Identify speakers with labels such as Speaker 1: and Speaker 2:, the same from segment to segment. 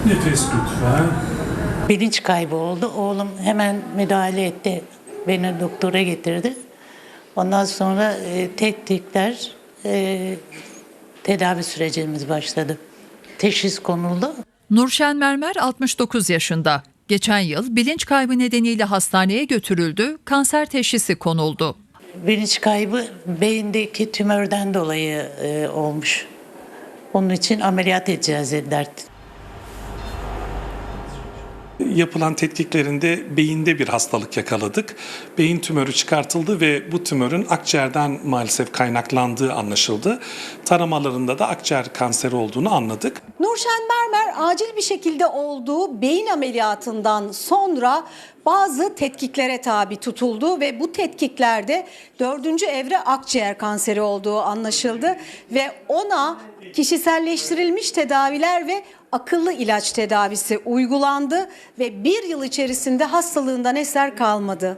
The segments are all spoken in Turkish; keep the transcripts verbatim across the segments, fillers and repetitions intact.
Speaker 1: Nefes lütfen.
Speaker 2: Bilinç kaybı oldu. Oğlum hemen müdahale etti. Beni doktora getirdi. Ondan sonra e, tetkikler, e, tedavi sürecimiz başladı. Teşhis konuldu.
Speaker 3: Nurşen Mermer altmış dokuz yaşında. Geçen yıl bilinç kaybı nedeniyle hastaneye götürüldü, kanser teşhisi konuldu.
Speaker 2: Bilinç kaybı beyindeki tümörden dolayı e, olmuş. Onun için ameliyat edeceğiz dediler.
Speaker 1: Yapılan tetkiklerinde beyinde bir hastalık yakaladık. Beyin tümörü çıkartıldı ve bu tümörün akciğerden maalesef kaynaklandığı anlaşıldı. Taramalarında da akciğer kanseri olduğunu anladık.
Speaker 4: Nurşen Mermer acil bir şekilde olduğu beyin ameliyatından sonra bazı tetkiklere tabi tutuldu ve bu tetkiklerde dördüncü evre akciğer kanseri olduğu anlaşıldı ve ona kişiselleştirilmiş tedaviler ve akıllı ilaç tedavisi uygulandı ve bir yıl içerisinde hastalığından eser kalmadı.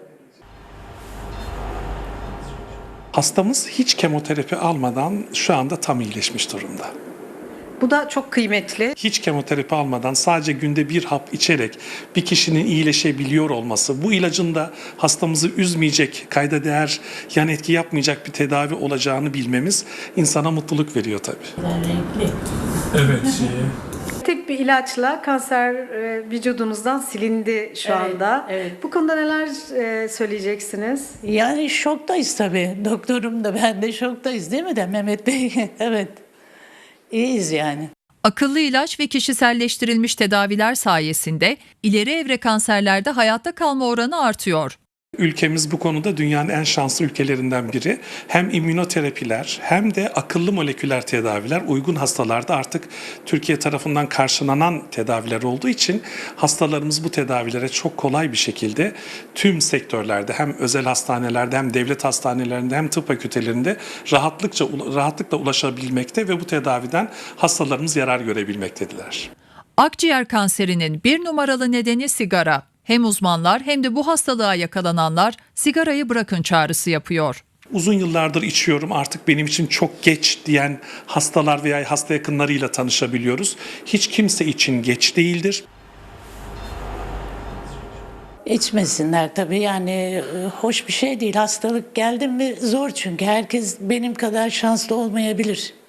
Speaker 1: Hastamız hiç kemoterapi almadan şu anda tam iyileşmiş durumda.
Speaker 4: Bu da çok kıymetli.
Speaker 1: Hiç kemoterapi almadan sadece günde bir hap içerek bir kişinin iyileşebiliyor olması, bu ilacın da hastamızı üzmeyecek, kayda değer yan etki yapmayacak bir tedavi olacağını bilmemiz insana mutluluk veriyor tabii.
Speaker 2: Renkli.
Speaker 1: Evet.
Speaker 4: Tek bir ilaçla kanser e, vücudunuzdan silindi şu
Speaker 2: Evet,
Speaker 4: anda.
Speaker 2: evet.
Speaker 4: Bu konuda neler e, söyleyeceksiniz?
Speaker 2: Yani şoktayız tabii. Doktorum da ben de şoktayız değil mi de Mehmet Bey? Evet. İyiyiz yani.
Speaker 3: Akıllı ilaç ve kişiselleştirilmiş tedaviler sayesinde ileri evre kanserlerde hayatta kalma oranı artıyor.
Speaker 1: Ülkemiz bu konuda dünyanın en şanslı ülkelerinden biri. Hem immünoterapiler hem de akıllı moleküler tedaviler uygun hastalarda artık Türkiye tarafından karşılanan tedaviler olduğu için hastalarımız bu tedavilere çok kolay bir şekilde tüm sektörlerde hem özel hastanelerde hem devlet hastanelerinde hem tıp fakültelerinde rahatlıkça rahatlıkla ulaşabilmekte ve bu tedaviden hastalarımız yarar görebilmektedirler.
Speaker 3: Akciğer kanserinin bir numaralı nedeni sigara. Hem uzmanlar hem de bu hastalığa yakalananlar sigarayı bırakın çağrısı yapıyor.
Speaker 1: Uzun yıllardır içiyorum, artık benim için çok geç diyen hastalar veya hasta yakınlarıyla tanışabiliyoruz. Hiç kimse için geç değildir.
Speaker 2: İçmesinler tabii yani e, hoş bir şey değil. Hastalık geldi mi zor çünkü herkes benim kadar şanslı olmayabilir.